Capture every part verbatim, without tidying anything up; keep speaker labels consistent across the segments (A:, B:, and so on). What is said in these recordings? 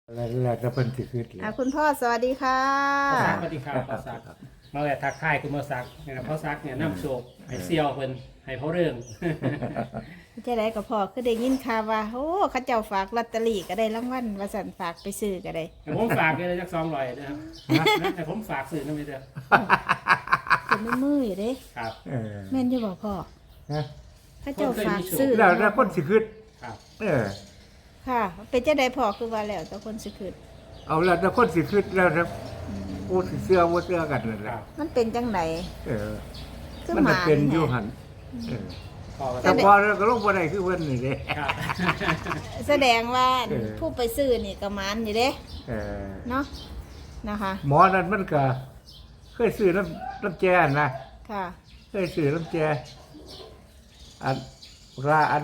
A: แล้วแล้วจะเพิ่นสิขึ้นแล้
B: อ่ะ
A: ว
B: คุณพ่อสวัสดีค่ะ
C: พ่อซักสวัสดีครับพ่อซักมาแต่ทักทายคุณพ่อซักนะครับพ่อซักเนี่ยน้ำโชคให้เซียวเพิ่นให้เขาเรื่อง
B: จะได้กับพ่อคือได้ยินข่าวว่าโอ้เขาเจ้าฝากลอตเตอรี่ก็ได้รางวัลว่าสันฝากไปซื้อก็ได้
C: แต่ผมฝากเลยจักสองร้อยนะครับแต่ผมฝากสื่อนั่นไม่ได้
B: เป็นมือมืออยู่เด้
C: ครับ
A: เออ
B: แม่นอยู่บ่พ่อ
A: นะ
B: เขาเจ้าฝากซื้อ
A: แล้วแล้วคนสิขึ้น
C: ครับ
A: เออ
B: ค่ะ เป็นจะได้พ่อคือว่าแล้วแต่คนสิขึ้น
A: เอาแล้วแล้วคนสิขึ้นแล้วนะโอ้สิเสื้อบ่เสื้อกันนั่นแห
C: ค
A: ละ
C: รับ
B: มันเป็นจังได
A: เออ
B: คือ
A: มัน
B: ห
A: น่ะ
B: มา
A: เป็นอยู่
B: แท้
A: หั่นเออ
C: พ่อก็
A: แต่
C: ต้อง
A: พอแล้วก็ลงบ่ได้คือเพิ่นนี่เด้
C: ครับ
B: แสดงว่า
A: เออ
B: ผู้ไปซื้อนี่ก็หมานอยู่เด้
A: เออ
B: เนาะนะคะ
A: หมอนั่นมันก็เคยซื้อน้ำน้ำแจนะ
B: ค่ะ
A: เคยซื้อน้ำแจอันราอัน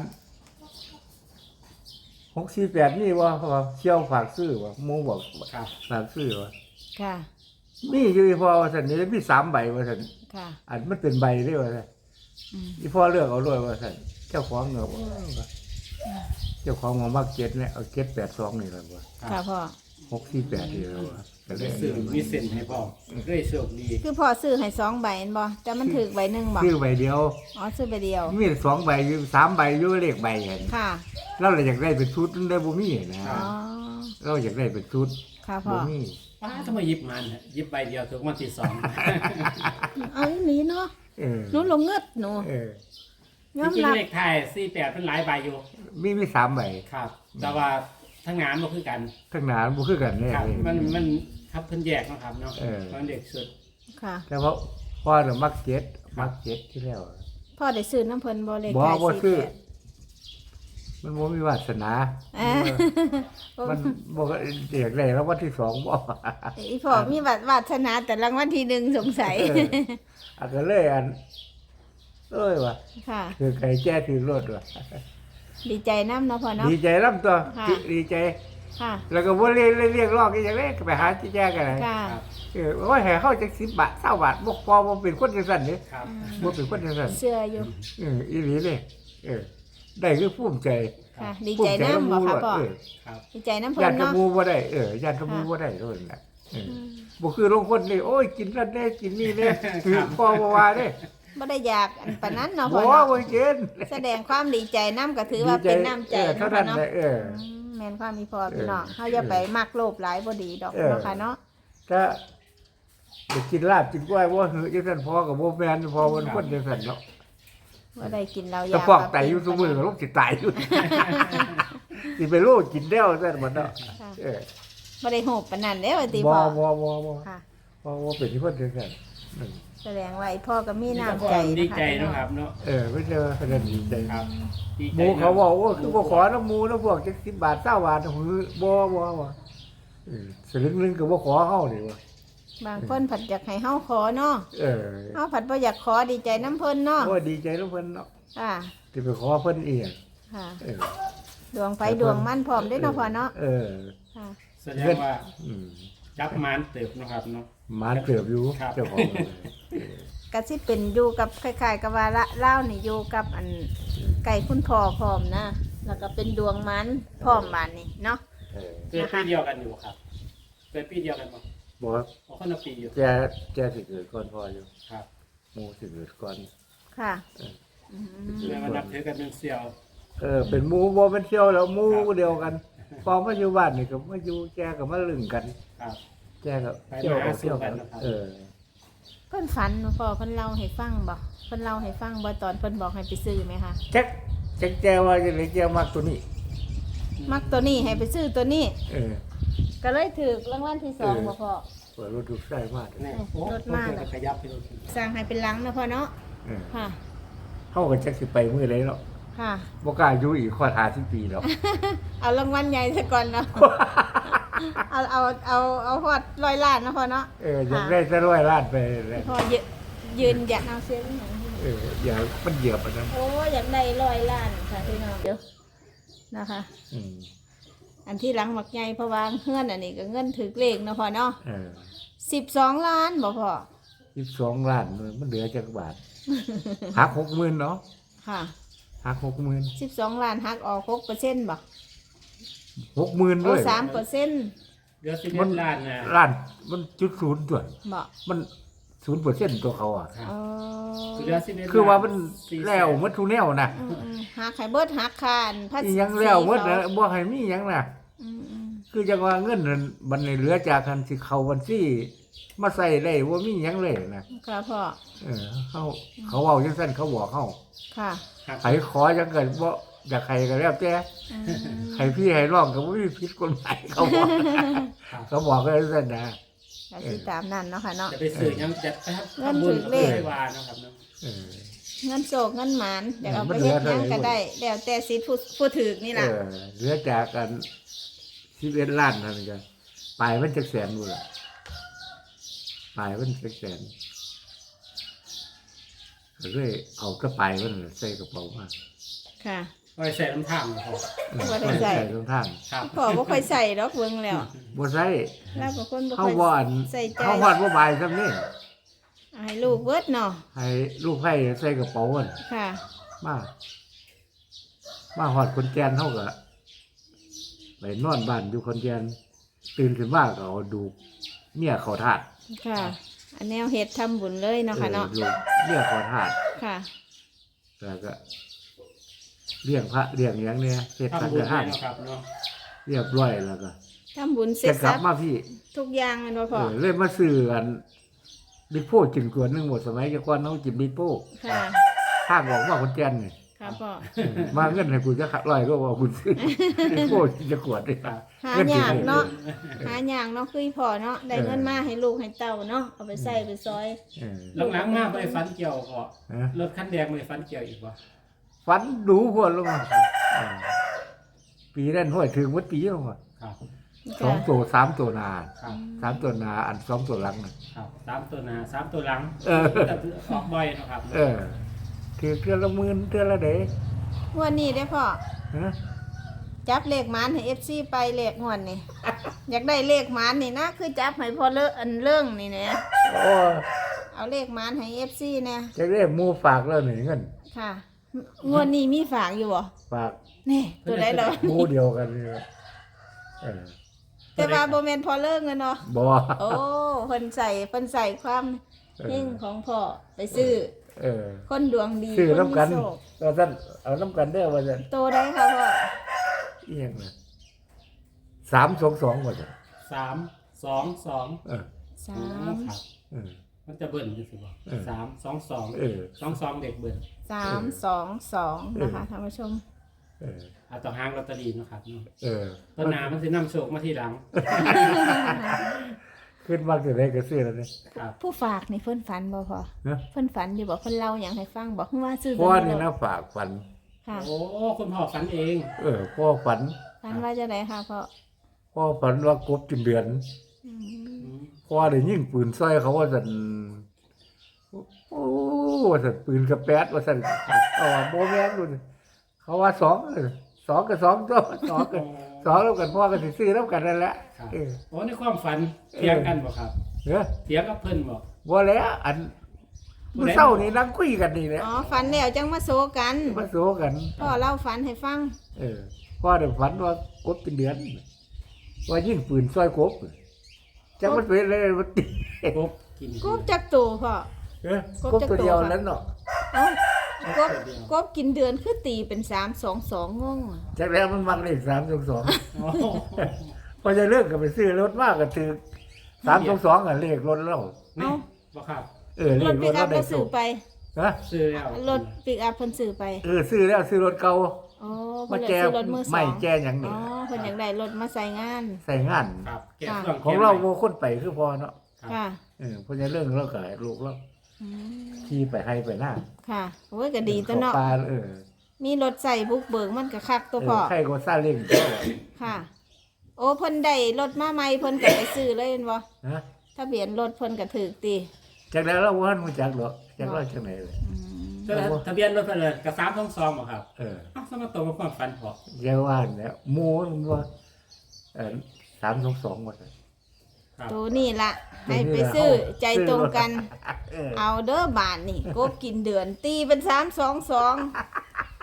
A: หกสี่แปดนี่ว่าเขาว่าเชี่ยวฝากซื้อว่าหมูบอก
C: ครับ
A: ฝากซื้อว่า
B: ค่ะ
A: มีอยู่อีพอว่าสันนี่มีสามใบว่าสัน
B: ค่ะ
A: อันมันเป็นใบเรียกว่าสัน
B: อืม
A: อีพ่อเลือกเอาด้วยว่าสันเจ้าของเงาเจ้าของมามักเจ็ดเนี่ยเอาเจ็ดแปดสองนี่แหละว่า
B: ค่ะพ่อ
A: หกสี่แปดนี่แหละว่าก็เลย
C: สื่อมีเส้นให้พ่อเรื่อยโชคดี
B: คือพ่อซื้อให้สองใบแม่นบ่แต่มันถูกใบหนึงบ่
A: ซื้อใบเดียว
B: อ๋อซื้อใบเดียว
A: มีสองใบอยู่สามใบอยู่เลขใบเห็น
B: ค่ะ
A: เราเลยอยากได้เป็นชุดนั่นได้บ่มีนะ
B: อ๋อ
A: เราอยากได้เป็นชุด
B: ค่ะพ่อ
A: บ่มี
C: ป้าทำไมหยิบมันฮะหยิบใบเดียวถูกวันที่สอง
B: เอาอีหลีเนาะ
A: เออ
B: หนูลงเงือดหนู
A: เออ
B: ยอม
C: จริง
B: รับ
C: ๆเลขไทยสี่แปดเป็นหลายใบอยู่
A: มีมีสามใบ
C: ครับ แต่ว่าทั้งงานก็คือกัน
A: ข้างหน้ามันบ่คือกันแน่
C: ครับ
A: เลย
C: มันมันครับเพิ่นแยกเนาะครับเนาะ
A: เออ
C: มันเด็กสุด
B: ค่ะ
A: แต่ว่าพ่อน่ะมักเจ็ดมักเจ็ดที่แล้ว
B: พ่อได้ซื้อน้ำเพิ่นบ่เลข
A: บ่
B: ท้าย
A: บ่
B: สี่
A: ซื้อ
B: แปด
A: มันบ่มีวาสนา
B: เอ้ย
A: มันบ่ก็อยากได้แล้ววันที่สองบ่
B: อีพ่อมีวาสวาสนาแต่รางวัลที่หนึ่งสงสัย
A: เอออันก็เลยอันเอ้ยว่ะ
B: ค่ะ
A: คือไก่แจ้ถือรถว่ะ
B: ดีใจน้ำเนาะพ่อเนาะ
A: ดีใจลำตัว
B: ค่ะ
A: ดีใจ
B: ค่ะ
A: แล้วก็บ่เรียกเรียกร้องอีหยังเลยก็ไปหาที่แจ้กันเลย
B: ค่ะ
C: ครับ
A: เออโอ้ยให้เฮาจักสิบบาทเก้าบาทบ่พอบ่เป็นคนจังซั่นนี่
C: ครับ
A: บ่เป็นคนจังซั่น
B: เสื้ออยู่
A: เอออีหลีเลยเออได้คือภูมิใจ
B: ค่ะ ดีใจน้ำบ่ค่ะพ่อ
A: เออ
C: ครับ
B: ดีใจน้ำเพิ่
A: ญาน ติ
B: เนาะ
A: หมู่บ่ได้เออญาติหมู่บ่ได้โดนน่ะเออบ่คือลงคนนี่โอ้ยกินนั่นแน่กินนี่แน่คือพ่อบ่ว่าเด้
B: บ่ได้อยากอันปานนั้นเนาะ
A: บ่
B: พ่อเนาะ
A: บ่กิน
B: แสดงความดีใจน้ำก็ถือว่าเป็นน้ำใจ
A: เออเท่า
B: เนาะพ่
A: นั้
B: อน เนาะ
A: แหละเออ
B: อืมแม่นความมีพ่อพี่น้อง
A: เออ
B: เฮาอย่าไปมักโลภหลายบ่ดีดอก
A: เออ
B: เนาะค่ะเนาะ
A: ถ้าไปกินลาบกินกล้วยบ่หือจังซั่นพ่อก็บ่แม่นพ่อเพิ่นคนจังซั่นเนาะ
B: บ่ได้กินเหล้า
A: แต่
B: ยา
A: พอกไตอยู่ซุมื้อก็ลงสิตายอยู่ สิไปโลกินแล้วซั่นบ่เนาะ
B: ค่ะ
A: เออ
B: บ่ได้โหบปานนั้นเด้ว่าติ
A: บ่
B: พ่อ
A: บ่บ่บ่
B: ค่ะ
A: บ่บ่เป็นคนจังซั่นนั่น
B: แสดงว่าไอ้พ่อก็มี
C: นี่ก็
B: น้ำ
C: พอ
B: ใจ
C: ดี
B: นะ
C: ใจ
B: คะ
C: เนาะครับเนาะ
A: เออไม่ใช่ว่าขนาดดีใจ
C: ครับดี
A: ห
C: ใจ
A: มูเขา
C: นะ
A: บอกว่าคือบ่ขอน้ำหมูน้ำพวกจักสิบบาทเก้าบาทหือบ่บ่บ่เออสลึงหนึงก็บ่ขอเฮานี่ว่า
B: บางคนผัดอยากให้เฮาขอเนาะ
A: เออ
B: เฮาผัดบ่อยากขอดีใจน้ำเพิ่นเนาะ
A: โอ้ดีใจน้ำเพิ่นเนาะ
B: ค่ะ
A: ที่ไปขอเพิ่นเอง
B: ค่ะ
A: เออ
B: ดวงไฟดวงมันพร้อมเด้เนาะพ่อเนาะ
A: เออ
B: ค่ะ
C: แสดงว่า
A: อืม
C: จับมานเติบเนาะครับเนาะ
A: หมานเกือบอยู่
C: ครับ
A: เจ้าของ
B: ก็สิเป็นอยู่กับคล้ายๆกับว่าละเล่าวนี่อยู่กับอันไก่คุณพ่อพร้อมนะ แล้วก็เป็นดวงมันพร้อมบานนี่เนาะ
A: เออ
C: เกิดปีเดียวกันอยู่ครับเกิดปีเดียวกันป่ะ
A: บ่
C: เพราะคนละปีอยู่
A: แกแกสิเกิดก่อนพ่ออยู่
C: ครับ
A: หมูสิเกิดก่อน
B: ค่ะ
A: เออ
B: อืม
C: แม่มานับถือกันเป็นเสี่ยว
A: เออเป็นหมูบ่เป็นเที่ยวแล้วหมูเดียวกันพอมาอยู่บ้านนี่ก็มาอยู่แกก็มาลึงกัน
C: ครับ
A: แกก็เที่ยวก็เที่ยวกันเออ
B: เพิ่นฝันพ่อเพิ่นเล่าให้ฟังบ่เพิ่นเล่าให้ฟังบ่ตอนเพิ่นบอกให้ไปซื้อไหมคะ
A: แจ็คแจ็คแจว่าจะเลยแจมากตัวนี้
B: มักตัวนี้ให้ไปซื้อตัวนี้
A: เออ
B: ก็เลยถูกรางวัลที่สอง
A: เออ
B: บ่พ่อ
A: เปิดรถดูใส่มาก
C: นี่
B: โอ้รถมาก
C: เลยขยับไปรถ
B: สร้างให้เป็นหลังนะพ่อเนาะ
A: เออ
B: ค่ะ
A: เข้ากับแจ็คสิไปมื้อไรเนาะ
B: ค่ะ
A: บ่กล้าอยู่อีกข้อหาสิบปีแล้ว
B: เอารางวัลใหญ่ซะก่อนเนาะ เอาเอาเอาเอาฮอดร้อยล้านนะพ่อเนาะ
A: เอออยากได้จะร้อยล้านไปเลย
B: พ่อยืนยืนอยากเอาเสียงหนัง
A: เอออย่ามันเหยียบอันนั้น
B: โอ้อยากได้ร้อยล้านค่ะพี่น้องเดี๋ยวนะคะ
A: อืม
B: อันที่หลังหมักใหญ่เพราะว่าเงื่อนอันนี้ก็เงื่อนถือเลขเนาะพ่อเนาะ
A: เออ
B: สิบสองล้านบ่พ่อ
A: สิบสองล้านมันเหลือจักบาทหักหกหมื่นเนาะ
B: ค่ะ
A: หักหกหมื่น
B: สิบสองล้านหักออกหกเปอร์เซ็นต์บ่
A: เหกหมื่นเล
B: โอ้
A: ย
B: สามเปอร์เซ็นต์
C: เหลือสิบเอ็ดล้านนะ
A: ล้านมันจุดศูนย์ตัว
B: บ่
A: มันศูนย์เปอร์เซ็นต์ตัวเขาอ่ะ
C: ครับ
B: อ๋อ
C: เหลือสิบเอ็ด
A: คือว่ามัน
C: สี่ส
A: แล้วหมันทุกแนวนะ
B: อืมอืมหักไข่เบิดหักคานภา
A: อี
B: ษี
A: หยังแล้วหมดนะ
B: เขา
A: บ่ให้มีหยังนะ
B: อืมอืม
A: คือจังว่าเงินนั้นบัดนี้เหลือจากคันสิเข้าบัญชีมาใส่ได้บ่มีหยังเลยนะ
B: ค่ะพ่อ
A: เออเขาเขาเว้าจังซั่นเขาบอกเฮา
B: ค่ะ
C: ครับ
A: ใครขอจังเกิดบ่อยากใครก็แล้วแต่
B: อืม
A: ใครพี่ให้ร้องก็บ่มีผิดกฎหมายเขาบอก
C: ครับ
A: เขาบอกก็จังซั่นนะ
B: ก็สิตามนั้นเนาะค่ะเนาะ
C: จะไปซื้อยังจะไปทำ
B: เงิน
C: บุญ
B: ถึงเลข
C: ไม่ว่าเนาะครับเนาะ
A: เออ
B: เงินโศกเงินหมานเดี๋ยวเอา
A: มั
B: ไป
A: นเหลื
B: เฮ็
A: อ
B: ดหยัง
A: เท่าไหร่
B: ก็ได้แล้วแต่สิทธิ์ผู้ผู้ถือนี่
A: เอ
B: ล่ะ
A: อเหลือจากกันสิบเอ็ดล้านเท่านั้นกันปลายมันจักแสนบ่ล่ะปลายมันจักแสนก็เลยเอากระปลายมันใส่กระเป๋ามา
B: ค่ะ
C: ไว้ใส่น้ำท่ามพอ
A: เออ
B: บ่ได้ใส่
A: ตรงทาง
C: ครับ
B: พ่อบ่ค่อยใส่ดอกเบิ่งแล้ว
A: บ่ใส่
B: แล้วบางคนบ่
A: เขา
B: ค่อย
A: บ่อน
B: ใส่ใจ
A: เขาฮอดบ่บายซ้ำนี่
B: ให้ลูกเบิดเนาะ
A: ให้ลูกไผ่ใส่กระเป๋ามัน
B: ค่ะ
A: มา มาฮอดคนแก่นเฮาก็ไปนอนบ้านอยู่คนแก่นตื่นขึ้นมาก็เอาดูเมียเขาทาส
B: ค่ะ อันแนวเฮ็ดทำบุญเลยเนาะค่ะเนาะ
A: ออดูเมียเขาทาส
B: ค่ะ
A: แล้วก็เลี้ยงพระเลี้ยงหยังเนี่ยเฮ็ดสัง
C: ทำบุญ
A: ฆทา
C: ให้
A: น
C: เนาะครับเนาะ
A: เรียบร้อยแล้วก็
B: ทำบุญเสร็
A: จะ
B: จ
A: กลั
B: สั
A: บบ มาพี่
B: ทุกอย่างแม่นบ่
A: เอ
B: พ่อ
A: อเลยมาซื้ออันบิ๊กโป้กินกวนหนึงหมดสมัยแกก่อนเฮากินบิ๊กโป้
B: ค่ะ
A: ทางบอกว่าคนแก่นนี่
B: ค่ะพ่อ
A: เออมาเงินให้กูจะขัดร้อยก็ว่าคุณซื้อบิ๊กโป้จะกวดได้ครับ
B: หายากเนาะหายากเนาะคือพ่อเนาะได้เงินมาให้ลูกให้เต้าเนาะเอาไปใส่ไปซอย
A: เออ
C: หลังๆมาไปฟันเกี่ยวพอ
A: ฮะ
C: รถคันแดงไปฟันเกี่ยวอีกวะ
A: ฝันดูพวดลงมาเออปีนั้นห้วยถึงวัดปีลงมา
C: ครับ
A: สองตัวสามตัวหนา
C: ครับ
A: สามตัวหนาอันสองตัวหลังน่ะ
C: ครับสามตัวหน้าสามตัวหลัง
A: เออ
C: แต่ออกบ่อยเนาะครับ
A: เออคือเทือละหมื่นเทือละเด้
B: งวดนี้ได้อพ่อ
A: ฮะ
B: จับเลขหมานให้ เอฟ ซี ไปเลขงวดนี่ อยากได้เลขหมานนี่นะคือจับให้พ่อเลอะอันเรื่องนี่แหละ
A: โอ้
B: เอาเลขหมานให้ เอฟ ซี นะ
A: จะเรียกหมูฝากแล้วหนึ่งเงิน
B: ค่ะ งวดนี้มีฝากอยู่บ่
A: ฝาก
B: นี่ตัวใดเหรอ
A: หมูเดียวกันนี่เออ
B: แต่ว่าบ่แม่นพอเลิกเงินเนาะ
A: บ่
B: โอ้เพิ่นใส่เพิ่นใส่ความ
A: เออ
B: เฮงของพ่อไปซื้อ
A: เออ
B: คนดวงดี
A: ซื้อ
B: คน
A: น้ำ
B: มี
A: กัน
B: โชค
A: ก็ท่านเอาน้ำกันได้อว่าจะ
B: โตได้ค่ะพ่อ
A: เอียงนะสามสองสองว่าจะ
C: สามสองสอง
A: เออ
B: สาม
C: ครับ
A: เออ
C: มันจะเบิ่นอยู่สิบ่
A: เออ
C: สามสองสอง
A: เออ
C: สองสองเด็กเบิ่น
B: สามสองสองนะคะท่านผู้ชม
A: เออ
C: เอาต่อห้างลอตเตอรี่เนาะครับเนาะ
A: เออ
C: ต้นนามันสินำโชคมาทีหลัง
A: ขึ้นมากจะได้ก็ซื้อแล้วเนี่ย
C: ครับ
B: ผู้ฝากนี่เพิ่นฝันบ่พอ
A: นะ
B: เพิ่นฝันอยู่บ่เพิ่นเล่าหยังให้ฟังบอกว่าซื้อ
A: พ่อ
B: ตัว
A: นี่
B: นี้
A: นะฝากฝัน
B: ค่ะ
C: โอ้คุณพ่อฝันเอง
A: เออพ่อฝัน
B: ฝันว่าจะได้ค่ะพ่อ
A: พ่อฝันว่ากบจุนเดือน
B: อืม
C: อืม
A: พ่อได้ยิงปืนซอยเขาว่าสันโอ้ว่าสันปืนกระแป๊ดว่าสันเอาว่าโบแมนดูดิเขาว่าสองเออสองกับสองตัวสองกันสองแล้วกันพ่อก็สิซื้อแล้วกันนั่นแหละ
C: ครับ
A: เออ
C: โอ้ในความฝันเถียงกันบ่ครับ
A: เนาะ
C: เถียงกับเพิ่นบ่
A: บ่แล้วอันมื้อเช้านี่นั่งคุยกันนี่แหละ
B: อ๋อฝันแล้วจังมาโซกัน
A: มาโซกัน
B: พ่อเล่าฝันให้ฟัง
A: เออพ่อได้ฝันว่ากบเป็นเดือน ว่ายิงปืนซอยกบจังมันเป็นอะไรมันตี
C: กบกิน
B: กบจักตัวพ่อ
A: เออกบตัวเดียวแล้วเนาะ
B: เอ้ากบกบกินเดือนคือตีเป็นสามสองสองงงอะ
A: จากแล้วมันมักเลขสามสองสอง
C: โอ้โห
A: พอจะเลิกก็ไปซื้อรถมากก็ถือสามสองสองอ่ะเลขรถแล้ว
C: นี่บ่ครับ
A: เออเล
B: ร
A: ข
B: ถ
A: ร
B: ปิ
A: ถ
B: กอั
A: เรา
B: พ
A: ได้
B: ก็
A: สู
B: ซื้อบ ไป
A: นะ
C: ซื้อแล้ว
B: รถปิกอัพเพิ่นซื้อไป
A: เออซื้อแล้วซื้อรถเก่า
B: อ๋อ
A: มา
B: เพิ่นอยาก
A: แก้
B: ซื้อรถมือส
A: ไม่
B: อง
A: แก้อย่าง
B: อ๋
A: นี้
B: อเพิ่นอยากได้รถมาใส่งาน
A: ใส่งาน
C: ครับแกะเครื่อง
A: ของเราโมคนไปคือพอเนาะ
C: ครับ
B: ค่ะ
A: เออพอจะเรื่องเราก็ลูกเรา
B: อืม
A: ขี่ไปให้ไปหน้า
B: ค่ะโอ้ยก็ดีตัวเนาะ
A: ขอปลาเออ
B: มีรถใส่บุกเบิกมันก็คักตัว
A: เอ
B: พ่อ
A: อใครก็ซาเล้ง
B: ค่ะ โอ้เพิ่นได้รถมาใหม่เพิ่นก็ไปซื้อเลยแม่นบ่
A: นะ
B: ทะเบียนรถเพิ่นก็ถูกติ
A: จากแล้วเราว่ามันจักหรอกจากเราจากไหนเลย
B: อืม
C: แต่ทะเบียนรถเพิ่นเลยกับสามสองสองบ่ครับ
A: เออ
C: อ้าวสมตรงกับความฝันพอ
A: แกว่าเนี่ยหมูมันว่าเออสามสองสองหมดเลย
C: ครับ
B: ตัวนี้ล่ะ ให้ไปซื้อใจตรงกัน
A: เออ
B: เอาเด้อบานนี่กบกินเดือนตีเป็นสามสองสองโอ้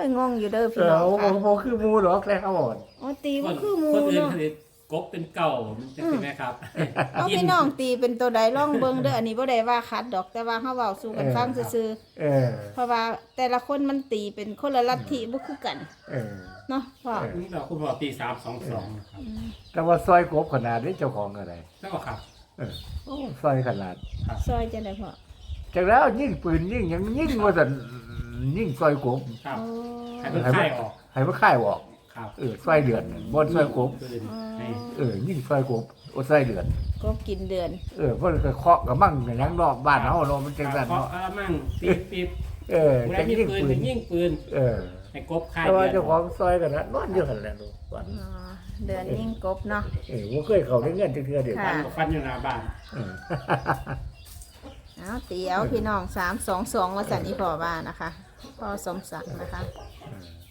B: ยงงอยู่เด้อ
A: เอ
B: พี่
A: อ
B: น้อง
A: โอ้
B: ค่ะ
A: โหคือหมูหรอกแค่เขาอ่อน
B: อ๋อตี
C: ค
B: บ่
C: น
B: คือหมู
C: คนอื่น
B: เนาะ
C: เขาสิกบเป็นเก่ามันจะเป็นไหมครับ
B: เอาพี่น้องตีเป็นตัวใดล่องเบิ่งเด้ออันนี้บ่ได้ว่าคัดดอกแต่ว่าเฮาเว้าสู่กันฟังซื่อ
A: เออ
B: ๆเพราะว่าแต่ละคนมันตีเป็นคนละลัทธิบ่คือกัน
A: เออ
B: เนาะพ่อ
C: นี่เราคุณบอกตีสามสองสองครับ
A: แต่ว่าซอยกบขนาดนี้เจ้าของอะไร
C: แล้วก็ครับ
A: เออโอ้ซอยขนาด
B: ซอยจังได๋พ่อ
A: จากแล้วยิ่งปืนยิ่งยังยิ่งว่าสันยิ่งซอยกบ
C: ครับ
B: โอ้
C: ให้มันค่ายออก
A: ให้มันค่ายออก
C: ครับ
A: เออซอยเดือนบนซอยกบ
C: ปืนให้
A: เออยิ่งซอยกบโอ้ซอยเดือน
B: ก็กินเดือน
A: เออเพราะก็เคาะกับมั่งอย่างนั้นนอกบ้านเฮาเนาะมันจังซั่น
C: เพราะ
A: เนาะ
C: อะไรมั่งตีปีบ
A: เออ
C: เว
A: จั
C: ลาง ยิง
A: ยิ่ง
C: ปืน
A: ปื
C: ถึ
A: น
C: งยิงปืน
A: เออ
C: ให้กบค่าย
A: แต่ว่า
C: เดื
A: เจ้า
C: อน
A: ของซอยกันนะนอนอยู่หั่นแหละลูกวัน
B: อ๋อเดือนยิ่งกบเนาะ
A: เออบ่เคยเข้าได้เงินจักเทื่อเดียว
B: ค่ะ
C: ฟันกับฟันอยู่หน้าบ้าน
A: เออ
B: เอาตีเอาพี่น้องสามสองสองว่าสันอีพ่อว่านะคะพ่อสมศักดิ์นะคะ
A: เออ